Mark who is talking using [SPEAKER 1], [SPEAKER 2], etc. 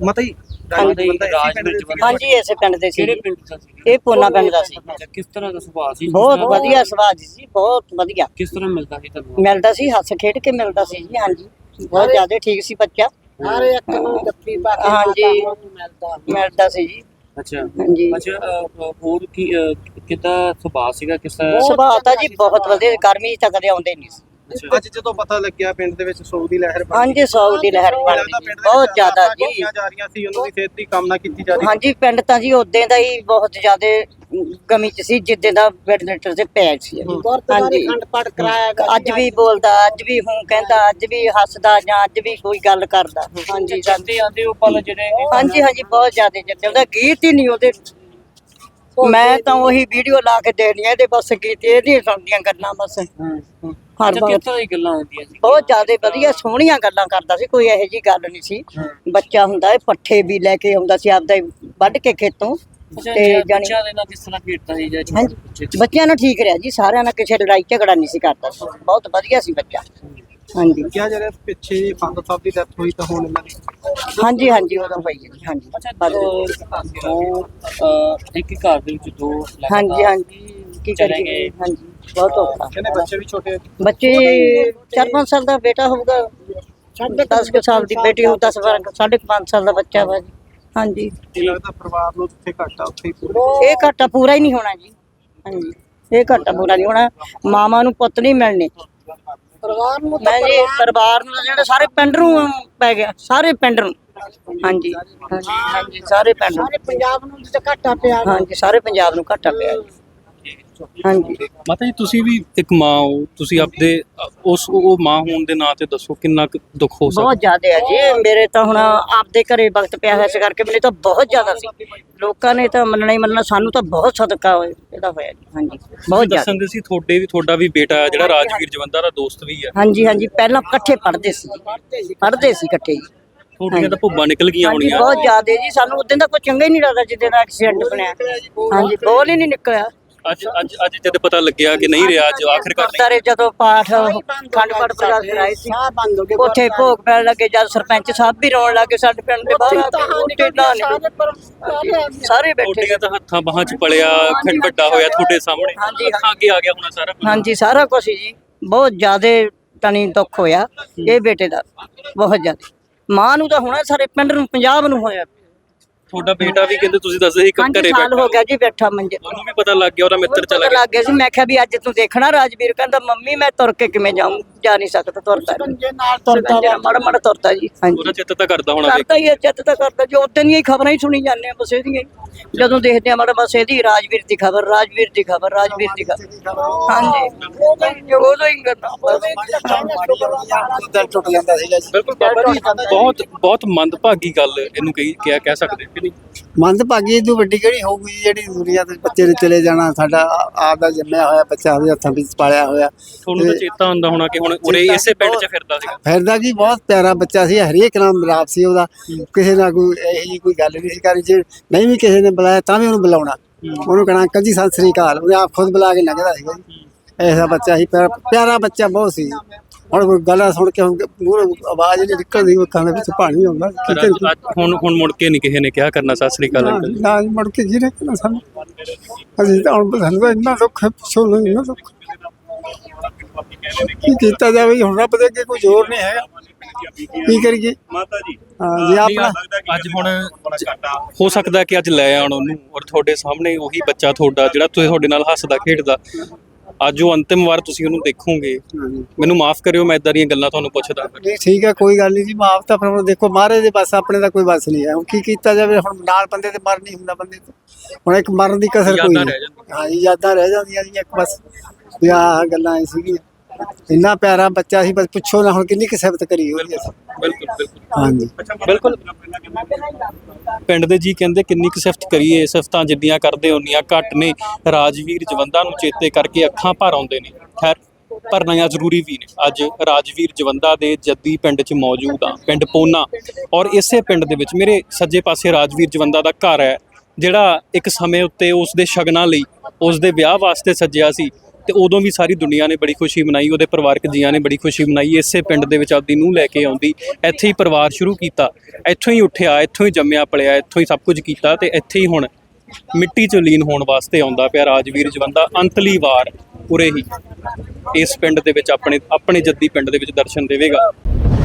[SPEAKER 1] ਮਾਤਾ ਜੀ
[SPEAKER 2] ਹਾਂਜੀ ਇਸੇ ਪਿੰਡ ਦੇ ਸੀ।
[SPEAKER 3] ਕਿਹੜੇ ਪਿੰਡ ਦਾ ਸੀ?
[SPEAKER 2] ਇਹ ਪੋਨਾ ਪਿੰਡ ਦਾ ਸੀ।
[SPEAKER 3] ਅੱਛਾ, ਕਿਸ ਤਰ੍ਹਾਂ ਦਾ ਸੁਭਾਅ ਸੀ?
[SPEAKER 2] ਬਹੁਤ ਵਧੀਆ ਸੁਭਾਅ ਸੀ, ਬਹੁਤ ਵਧੀਆ
[SPEAKER 3] ਕਿਸ ਤਰ੍ਹਾਂ ਮਿਲਦਾ ਸੀ ਤੁਹਾਨੂੰ?
[SPEAKER 2] ਮਿਲਦਾ ਸੀ, ਹੱਸ ਖੇਡ ਕੇ ਮਿਲਦਾ ਸੀ ਜੀ। ਹਾਂਜੀ ਬਹੁਤ ਜ਼ਿਆਦਾ ਠੀਕ ਸੀ ਬੱਚਾ।
[SPEAKER 4] ਹਰ ਇੱਕ ਨੂੰ ਜੱਫੀ ਪਾ ਕੇ
[SPEAKER 2] ਹਾਂਜੀ ਮਿਲਦਾ ਸੀ ਜੀ।
[SPEAKER 3] ਅੱਛਾ
[SPEAKER 2] ਹਾਂਜੀ
[SPEAKER 3] ਅੱਛਾ, ਹੋਰ ਕੀ ਕਿੱਦਾਂ ਸੁਭਾਅ ਸੀਗਾ? ਕਿਸ ਤਰ੍ਹਾਂ?
[SPEAKER 2] ਸੁਭਾਅ ਤਾਂ ਜੀ ਬਹੁਤ ਵਧੀਆ, ਗਰਮੀ ਚ ਤਾਂ ਕਦੇ ਆਉਂਦੇ ਨਹੀਂ ਸੀ।
[SPEAKER 1] ਅੱਜ ਜਦੋਂ ਪਤਾ ਲੱਗਿਆ ਪਿੰਡ ਦੇ ਵਿੱਚ ਸੌ ਦੀ ਲਹਿਰ ਬਣ
[SPEAKER 2] ਹਾਂਜੀ 100 ਦੀ ਲਹਿਰ ਬਣ ਗਈ, ਬਹੁਤ ਜ਼ਿਆਦਾ ਜੀ।
[SPEAKER 1] ਜਾ ਰਹੀਆਂ ਸੀ, ਉਹਨਾਂ ਦੀ ਸਿਹਤ ਦੀ ਕਾਮਨਾ ਕੀਤੀ ਜਾ ਰਹੀ ਸੀ।
[SPEAKER 2] ਹਾਂਜੀ ਪਿੰਡ ਤਾਂ ਜੀ ਉਦੋਂ ਦਾ ਹੀ ਬਹੁਤ ਜ਼ਿਆਦਾ ਗਮੀ ਚ ਸੀ, ਜਿੱਦਾਂ ਦਾ ਵੈਂਟੀਲੇਟਰ ਤੇ ਪਿਆ ਸੀ।
[SPEAKER 4] ਗੁਰਦੁਆਰੇ ਖੰਡ ਪਾਠ ਕਰਾਇਆ ਗਿਆ।
[SPEAKER 2] ਅੱਜ ਵੀ ਬੋਲਦਾ, ਅੱਜ ਵੀ ਹੂੰ ਕਹਿੰਦਾ, ਅੱਜ ਵੀ ਹੱਸਦਾ, ਜਾਂ ਅੱਜ ਵੀ ਕੋਈ ਗੱਲ ਕਰਦਾ। ਹਾਂਜੀ
[SPEAKER 3] ਜਾਂਦੇ ਆਂਦੇ ਉਹ ਪਲ ਜਿਹੜੇ
[SPEAKER 2] ਹਾਂਜੀ ਹਾਂਜੀ ਬਹੁਤ ਜ਼ਿਆਦਾ ਜੱਦੇ, ਉਹਦਾ ਗੀਤ ਹੀ ਨਹੀਂ ਉਹਦੇ। ਮੈਂ ਤਾਂ ਉਹੀ ਵੀਡੀਓ ਲਾ ਕੇ ਦੇਣੀ ਆ, ਇਹਦੇ ਬਸ ਗੀਤ ਇਹਦੀਆਂ ਸੁਣਦੀਆਂ ਗੱਲਾਂ ਬਸ। ਹਰ
[SPEAKER 3] ਅੱਛਾ,
[SPEAKER 2] ਵਾਰ
[SPEAKER 3] ਕਿਸ ਤਰ੍ਹਾਂ ਦੀ ਗੱਲਾਂ ਹੁੰਦੀਆਂ ਸੀ?
[SPEAKER 2] ਬਹੁਤ ਜ਼ਿਆਦਾ ਵਧੀਆ ਸੋਹਣੀਆਂ ਗੱਲਾਂ ਕਰਦਾ ਸੀ, ਕੋਈ ਇਹੋ ਜੀ ਗੱਲ ਨਹੀਂ ਸੀ। ਬੱਚਾ ਹੁੰਦਾ ਇਹ ਪੱਠੇ ਵੀ ਲੈ ਕੇ ਆਉਂਦਾ ਸੀ ਆਪਦਾ ਵੱਢ ਕੇ ਖੇਤੋਂ।
[SPEAKER 3] ਅੱਛਾ,
[SPEAKER 2] ਤੇ ਜਾਣੀ
[SPEAKER 3] ਬੱਚਿਆਂ ਦੇ ਨਾਲ ਕਿਸ ਤਰ੍ਹਾਂ ਖੇਡਦਾ ਸੀ ਜਾਂ
[SPEAKER 2] ਹਾਂਜੀ ਬੱਚਿਆਂ ਨਾਲ ਠੀਕ ਰਿਹਾ ਜੀ, ਸਾਰਿਆਂ ਨਾਲ ਕਿਸੇ ਲੜਾਈ ਝਗੜਾ ਨਹੀਂ ਸੀ ਕਰਦਾ ਸੀ, ਬਹੁਤ ਵਧੀਆ ਸੀ ਬੱਚਾ। ਹਾਂਜੀ
[SPEAKER 1] ਕਿਹਾ ਜਾ ਰਿਹਾ ਪਿੱਛੇ ਫਾਦਰ ਸਾਹਿਬ ਦੀ ਡੈਥ ਹੋਈ ਤਾਂ ਹੁਣ ਇਹਨਾਂ ਦੀ
[SPEAKER 2] ਹਾਂਜੀ ਹਾਂਜੀ ਉਦੋਂ ਹੋਈ ਜੀ। ਹਾਂਜੀ
[SPEAKER 3] ਅੱਛਾ, ਦੋ ਇੱਕ ਘਰ ਦੇ ਵਿੱਚ ਦੋ
[SPEAKER 2] ਹਾਂਜੀ ਹਾਂਜੀ ਕੀ
[SPEAKER 3] ਚਲੇ
[SPEAKER 2] ਕਰੀਏ
[SPEAKER 3] ਗਏ।
[SPEAKER 2] ਹਾਂਜੀ ਬਹੁਤ ਔਖਾ।
[SPEAKER 1] ਕਹਿੰਦੇ ਬੱਚੇ ਵੀ ਛੋਟੇ ਆ।
[SPEAKER 2] ਬੱਚੇ 4-5 ਸਾਲ ਦਾ ਬੇਟਾ ਹੋਊਗਾ, 10 ਸਾਲ ਦੀ ਬੇਟੀ ਹੋਊ, 10-5 ਸਾਲ ਦਾ ਬੱਚਾ ਵਾ ਜੀ। ਹਾਂਜੀ
[SPEAKER 1] ਕੀ ਲੱਗਦਾ ਪਰਿਵਾਰ ਨੂੰ ਜਿੱਥੇ ਘਾਟਾ ਉੱਥੇ ਹੀ ਪੂਰਾ?
[SPEAKER 2] ਇਹ ਘਾਟਾ ਪੂਰਾ ਹੀ ਨਹੀਂ ਹੋਣਾ ਜੀ। ਹਾਂਜੀ ਇਹ ਘਾਟਾ ਪੂਰਾ ਨਹੀਂ ਹੋਣਾ, ਮਾਵਾਂ ਨੂੰ ਪੁੱਤ ਨਹੀਂ ਮਿਲਣੇ।
[SPEAKER 4] ਪਰਿਵਾਰ ਨੂੰ
[SPEAKER 2] ਮੈਂ ਜੀ ਪਰਿਵਾਰ ਨੂੰ ਜਿਹੜਾ ਸਾਰੇ ਪਿੰਡ ਨੂੰ ਪੈ ਗਿਆ, ਸਾਰੇ ਪਿੰਡ ਨੂੰ। ਹਾਂਜੀ ਹਾਂਜੀ ਸਾਰੇ ਪਿੰਡ ਨੂੰ,
[SPEAKER 4] ਸਾਰੇ ਪੰਜਾਬ ਨੂੰ ਜਿੱਥੇ ਘਾਟਾ ਪਿਆ।
[SPEAKER 2] ਹਾਂਜੀ ਸਾਰੇ ਪੰਜਾਬ ਨੂੰ ਘਾਟਾ ਪਿਆ ਜੀ। ਹਾਂਜੀ
[SPEAKER 5] ਮਾਤਾ ਜੀ ਤੁਸੀਂ ਵੀ ਇੱਕ ਮਾਂ ਹੋ, ਤੁਸੀਂ ਆਪਦੇ ਉਹ ਮਾਂ ਹੋਣ ਦੇ ਨਾਂ ਤੇ ਦੱਸੋ ਕਿੰਨਾ ਕੁ ਦੁੱਖ ਹੋ ਸਕਦਾ?
[SPEAKER 2] ਬਹੁਤ ਜ਼ਿਆਦਾ ਹੈ ਜੀ। ਮੇਰੇ ਤਾਂ ਹੁਣ ਆਪਦੇ ਘਰੇ ਵਕਤ ਪਿਆ ਹੋਇਆ, ਇਸ ਕਰਕੇ ਮੈਨੂੰ ਤਾਂ ਬਹੁਤ ਜ਼ਿਆਦਾ ਸੀ। ਲੋਕਾਂ ਨੇ ਤਾਂ ਮੰਨਣਾ ਹੀ ਮੰਨਣਾ, ਸਾਨੂੰ ਤਾਂ ਬਹੁਤ ਸਦਕਾ ਇਹਦਾ ਹੋਇਆ ਜੀ। ਹਾਂਜੀ ਬਹੁਤ ਜ਼ਿਆਦਾ।
[SPEAKER 5] ਦੱਸਣ ਦੇ ਸੀ ਤੁਹਾਡਾ ਵੀ ਬੇਟਾ ਹੈ ਜਿਹੜਾ ਰਾਜਵੀਰ ਜਵੰਦਾ ਦਾ ਦੋਸਤ ਵੀ ਹੈ।
[SPEAKER 2] ਹਾਂਜੀ ਹਾਂਜੀ ਪਹਿਲਾਂ ਇਕੱਠੇ ਪੜ੍ਹਦੇ ਸੀ ਇਕੱਠੇ ਜੀ।
[SPEAKER 5] ਤੁਹਾਡੀਆਂ ਤਾਂ ਭੁੱਬਾਂ ਨਿਕਲ ਗਈਆਂ
[SPEAKER 2] ਹਾਂਜੀ
[SPEAKER 5] ਹੋਣੀਆਂ।
[SPEAKER 2] ਬਹੁਤ ਜ਼ਿਆਦਾ ਜੀ, ਸਾਨੂੰ ਉਦੋਂ ਦਾ ਕੋਈ ਚੰਗਾ ਹੀ ਨਹੀਂ ਲੱਗਦਾ ਜਿੱਦਾਂ ਦਾ ਐਕਸੀਡੈਂਟ ਬਣਿਆ। ਹਾਂਜੀ ਬੋਲ ਹੀ ਨਹੀਂ ਨਿਕਲਿਆ।
[SPEAKER 5] ਅੱਜ ਜਦ ਪਤਾ ਲੱਗਿਆ ਕਿ ਨਹੀਂ ਰਿਹਾ, ਅੱਜ ਆਖਿਰਕਾਰ ਨਹੀਂ।
[SPEAKER 2] ਗੁਰਦੁਆਰੇ ਜਦੋਂ ਪਾਠ ਖੰਡ ਪਾਠ ਪ੍ਰਕਾਸ਼ ਕਰਾਏ ਸੀ,
[SPEAKER 4] ਸਾਹ ਬੰਦ ਹੋ ਗਏ।
[SPEAKER 2] ਉੱਥੇ ਭੋਗ ਪੈਣ ਲੱਗੇ, ਜਦ ਸਰਪੰਚ ਸਾਹਿਬ ਵੀ ਰੋਣ ਲੱਗੇ ਸਾਡੇ ਪਿੰਡ ਦੇ ਬਾਹਰ ਆ ਕੇ, ਸਾਰੇ ਬੈਠੇ।
[SPEAKER 5] ਤੁਹਾਡੀਆਂ ਤਾਂ ਹੱਥਾਂ ਬਾਹਾਂ 'ਚ ਪਲਿਆ ਖੰਡ ਵੱਡਾ ਹੋਇਆ ਤੁਹਾਡੇ ਸਾਹਮਣੇ,
[SPEAKER 2] ਹਾਂਜੀ।
[SPEAKER 5] ਅੱਖਾਂ ਅੱਗੇ ਆ ਗਿਆ ਹੋਣਾ ਸਾਰਾ ਕੁਝ।
[SPEAKER 2] ਹਾਂਜੀ ਸਾਰਾ ਕੁਝ ਜੀ, ਬਹੁਤ ਜ਼ਿਆਦਾ ਤਣੀ ਦੁੱਖ ਹੋਇਆ ਇਹ ਬੇਟੇ ਦਾ, ਬਹੁਤ ਜ਼ਿਆਦਾ। ਮਾਂ ਨੂੰ ਤਾਂ ਹੋਣਾ, ਸਾਰੇ ਪਿੰਡ ਨੂੰ ਪੰਜਾਬ ਨੂੰ ਹੋਇਆ।
[SPEAKER 5] ਤੁਹਾਡਾ ਬੇਟਾ ਵੀ ਕਹਿੰਦੇ ਤੁਸੀਂ ਦੱਸਦੇ ਸੀ ਘਰੇ
[SPEAKER 2] 5 ਸਾਲ
[SPEAKER 5] ਬੈਠਾ,
[SPEAKER 2] ਹੋ ਗਿਆ ਜੀ ਬੈਠਾ ਮੰਜੇ।
[SPEAKER 5] ਉਹਨੂੰ ਵੀ ਪਤਾ ਲੱਗ ਗਿਆ, ਉਹਦਾ ਮਿੱਤਰ ਚਲਾ
[SPEAKER 2] ਪਤਾ
[SPEAKER 5] ਗਿਆ।
[SPEAKER 2] ਲੱਗ ਗਿਆ ਸੀ। ਮੈਂ ਕਿਹਾ ਵੀ ਅੱਜ ਤੂੰ ਦੇਖਣਾ ਰਾਜਵੀਰ, ਕਹਿੰਦਾ ਮੰਮੀ ਮੈਂ ਤੁਰ ਕੇ ਕਿਵੇਂ ਜਾਊਂ, ਜਾ ਨਹੀਂ ਸਕਦਾ, ਤੁਰਦਾ
[SPEAKER 4] ਜੇ ਨਾਲ ਤੁਰਦਾ ਵਾ।
[SPEAKER 2] ਮਾੜਾ ਮਾੜਾ ਤੁਰਦਾ ਜੀ। ਹਾਂਜੀ
[SPEAKER 5] ਉਹਦਾ ਚਿੱਤ ਤਾਂ ਕਰਦਾ ਹੋਣਾ
[SPEAKER 2] ਕਰਦਾ ਹੀ ਹੈ, ਚਿੱਤ ਤਾਂ ਕਰਦਾ। ਜੋ ਉਦੋਂ ਦੀਆਂ ਹੀ ਖਬਰਾਂ ਹੀ ਸੁਣੀ ਜਾਂਦੇ ਆ ਬਸ ਇਹਦੀਆਂ ਹੀ। ਜਦੋਂ ਦੇਖਦੇ ਆ ਮਾੜਾ ਬਸ ਇਹਦੀ ਰਾਜਵੀਰ ਦੀ ਖਬਰ, ਰਾਜਵੀਰ ਦੀ ਖਬਰ, ਰਾਜਵੀਰ ਦੀ ਖਬਰ। ਹਾਂਜੀ ਉਦੋਂ ਹੀ ਕਰਦਾ
[SPEAKER 4] ਦਿਲ ਟੁੱਟ ਜਾਂਦਾ ਸੀਗਾ ਜੀ।
[SPEAKER 5] ਬਿਲਕੁਲ ਬਾਬਾ ਜੀ, ਬਹੁਤ ਮੰਦਭਾਗੀ ਗੱਲ ਇਹਨੂੰ ਕਹਿ ਸਕਦੇ ਕਿ ਨਹੀਂ?
[SPEAKER 6] ਮੰਦਭਾਗੀ ਇਹ ਤੋਂ ਵੱਡੀ ਕਿਹੜੀ ਹੋਊਗੀ ਜਿਹੜੀ ਦੁਨੀਆ ਦੇ ਬੱਚੇ ਨੇ ਚਲੇ ਜਾਣਾ। ਸਾਡਾ ਆਪ ਦਾ ਜੰਮਿਆ ਹੋਇਆ ਬੱਚਾ ਉਹਦੇ ਹੱਥਾਂ ਵਿੱਚ ਪਾਲਿਆ ਹੋਇਆ।
[SPEAKER 5] ਤੁਹਾਨੂੰ ਤਾਂ ਚੇਤਾ ਹੁੰਦਾ ਹੋਣਾ ਕਿ ਹੁਣ ਉਰੇ ਇਸੇ ਪਿੰਡ 'ਚ ਫਿਰਦਾ ਸੀਗਾ।
[SPEAKER 6] ਫਿਰਦਾ ਕੀ ਬਹੁਤ ਪਿਆਰਾ ਬੱਚਾ ਸੀ, ਹਰੇਕ ਨਾਲ ਮਿਲਾਪ ਸੀ ਉਹਦਾ। ਕਿਸੇ ਨਾਲ ਕੋਈ ਇਹੋ ਜਿਹੀ ਕੋਈ ਗੱਲ ਨਹੀਂ ਸੀ ਕਰੀ, ਜੇ ਨਹੀਂ ਵੀ ਕਿਸੇ ਨੇ ਬੁਲਾਇਆ ਤਾਂ ਵੀ ਉਹਨੂੰ ਬੁਲਾਉਣਾ, ਉਹਨੂੰ ਕਹਿਣਾ ਅੰਕਲ ਜੀ ਸਤਿ ਸ੍ਰੀ ਅਕਾਲ, ਉਹਨੇ ਆਪ ਖੁਦ ਬੁਲਾ ਕੇ ਲੰਘਦਾ ਸੀਗਾ ਜੀ। ਐਸਾ ਬੱਚਾ ਸੀ, ਪਿਆਰਾ ਬੱਚਾ ਬਹੁਤ ਸੀ। ਹੁਣ ਕੋਈ ਗੱਲਾਂ ਸੁਣ ਕੇ ਮੂਹਰੋਂ ਆਵਾਜ਼ ਨਹੀਂ ਨਿਕਲਦੀ, ਅੱਖਾਂ ਦੇ ਵਿੱਚ ਪਾਣੀ ਆਉਂਦਾ।
[SPEAKER 5] ਹੁਣ ਮੁੜ ਕੇ ਨਹੀਂ ਕਿਸੇ ਨੇ ਕਿਹਾ ਕਰਨਾ ਸਤਿ ਸ੍ਰੀ ਅਕਾਲ ਅੰਕਲ।
[SPEAKER 6] ਨਾ ਮੁੜ ਕੇ ਜੀ ਰੱਖਣਾ ਸਾਨੂੰ। ਅਸੀਂ ਤਾਂ ਹੁਣ ਸਾਨੂੰ ਤਾਂ ਇੰਨਾ ਦੁੱਖ ਹੈ, ਪੁੱਛੋ ਨਾ ਇੰਨਾ ਦੁੱਖ। ਕੀ ਕੀਤਾ ਜਾਵੇ ਹੁਣ, ਰੱਬ ਦੇ ਅੱਗੇ ਕੋਈ ਜ਼ੋਰ ਨਹੀਂ ਹੈਗਾ, ਕੀ ਕਰੀਏ ਮਾਤਾ ਜੀ। ਹਾਂ ਜੀ ਆਪਣਾ
[SPEAKER 5] ਅੱਜ ਹੁਣ ਹੋ ਸਕਦਾ ਕਿ ਅੱਜ ਲੈ ਆਉਣ ਉਹਨੂੰ, ਔਰ ਤੁਹਾਡੇ ਸਾਹਮਣੇ ਉਹੀ ਬੱਚਾ ਤੁਹਾਡਾ ਜਿਹੜਾ ਤੁਹਾਡੇ ਨਾਲ ਹੱਸਦਾ ਖੇਡਦਾ, ਅੱਜ ਉਹ ਅੰਤਿਮ ਵਾਰ ਤੁਸੀਂ ਉਹਨੂੰ ਦੇਖੋਗੇ। ਮੈਨੂੰ ਮਾਫ ਕਰਿਓ ਮੈਂ ਇਦਾਂ ਦੀਆਂ ਗੱਲਾਂ ਤੁਹਾਨੂੰ ਪੁੱਛਦਾ।
[SPEAKER 6] ਠੀਕ ਹੈ ਕੋਈ ਗੱਲ ਨਹੀਂ ਜੀ, ਮਾਫ ਤਾਂ ਫਿਰ ਦੇਖੋ ਮਹਾਰਾਜ ਦੇ ਬਸ, ਆਪਣੇ ਦਾ ਕੋਈ ਬਸ ਨਹੀਂ ਹੈ। ਹੁਣ ਕੀ ਕੀਤਾ ਜਾਵੇ, ਹੁਣ ਨਾਲ ਬੰਦੇ ਤੇ ਮਰ ਨਹੀਂ ਹੁੰਦਾ ਬੰਦੇ ਤੋਂ। ਹੁਣ ਇੱਕ ਮਰਨ ਦੀ ਕਸਰ ਕੋਈ ਨਹੀਂ। ਹਾਂ ਜੀ ਯਾਦਾਂ ਰਹਿ ਜਾਂਦੀਆਂ ਜੀ ਇੱਕ ਬਸ, ਵੀ ਆਹ ਗੱਲਾਂ ਐ ਸੀਗੀਆਂ। ਇੰਨਾ ਪਿਆਰਾ ਬੱਚਾ ਸੀ, ਬਸ ਪੁੱਛੋ ਨਾ ਹੁਣ ਕਿੰਨੀ ਕੁ ਸਿਫਤ ਕਰੀ ਉਹਦੀ ਅਸੀਂ।
[SPEAKER 5] ਬਿਲਕੁਲ ਬਿਲਕੁਲ
[SPEAKER 6] ਹਾਂਜੀ
[SPEAKER 5] ਬਿਲਕੁਲ। ਪਿੰਡ ਦੇ ਜੀ ਕਹਿੰਦੇ ਕਿੰਨੀ ਕੁ ਸਿਫਤ ਕਰੀਏ, ਸਿਫਤਾਂ ਜਿੱਦੀਆਂ ਕਰਦੇ ਉਨੀਆਂ ਘੱਟ ਨੇ। ਰਾਜਵੀਰ ਜਵੰਦਾ ਨੂੰ ਚੇਤੇ ਕਰਕੇ ਅੱਖਾਂ ਭਰ ਆਉਂਦੇ ਨੇ। ਖੈਰ ਭਰਨਾ ਜ਼ਰੂਰੀ ਵੀ ਨੇ। ਅੱਜ ਰਾਜਵੀਰ ਜਵੰਦਾ ਦੇ ਜੱਦੀ ਪਿੰਡ 'ਚ ਮੌਜੂਦ ਆ, ਪਿੰਡ ਪੋਨਾ। ਔਰ ਇਸੇ ਪਿੰਡ ਦੇ ਵਿੱਚ ਮੇਰੇ ਸੱਜੇ ਪਾਸੇ ਰਾਜਵੀਰ ਜਵੰਦਾ ਦਾ ਘਰ ਹੈ, ਜਿਹੜਾ ਇੱਕ ਸਮੇਂ ਉੱਤੇ ਉਸ ਦੇ ਸ਼ਗਨਾਂ ਲਈ, ਉਸ ਦੇ ਵਿਆਹ ਵਾਸਤੇ ਸੱਜਿਆ ਸੀ। ਤੇ ਉਦੋਂ ਵੀ ਸਾਰੀ ਦੁਨੀਆ ਨੇ ਬੜੀ ਖੁਸ਼ੀ ਮਨਾਈ, ਉਹਦੇ ਪਰਿਵਾਰਕ ਜੀਆਂ ਨੇ ਬੜੀ ਖੁਸ਼ੀ ਮਨਾਈ। ਇਸੇ ਪਿੰਡ ਦੇ ਵਿੱਚ ਆਪਦੀ ਨੂੰਹ ਲੈ ਕੇ ਆਉਂਦੀ, ਇੱਥੇ ਹੀ ਪਰਿਵਾਰ ਸ਼ੁਰੂ ਕੀਤਾ, ਇੱਥੋਂ ਹੀ ਉੱਠਿਆ, ਇੱਥੋਂ ਹੀ ਜੰਮਿਆ ਪਲਿਆ, ਇੱਥੋਂ ਹੀ ਸਭ ਕੁਝ ਕੀਤਾ ਤੇ ਇੱਥੇ ਹੀ ਹੁਣ ਮਿੱਟੀ 'ਚ ਲੀਨ ਹੋਣ ਵਾਸਤੇ ਆਉਂਦਾ ਪਿਆ ਰਾਜਵੀਰ ਜਵੰਦਾ। ਅੰਤਲੀ ਵਾਰ ਉਰੇ ਹੀ ਇਸ ਪਿੰਡ ਦੇ ਵਿੱਚ ਆਪਣੇ ਜੱਦੀ ਪਿੰਡ ਦੇ ਵਿੱਚ ਦਰਸ਼ਨ ਦੇਵੇਗਾ।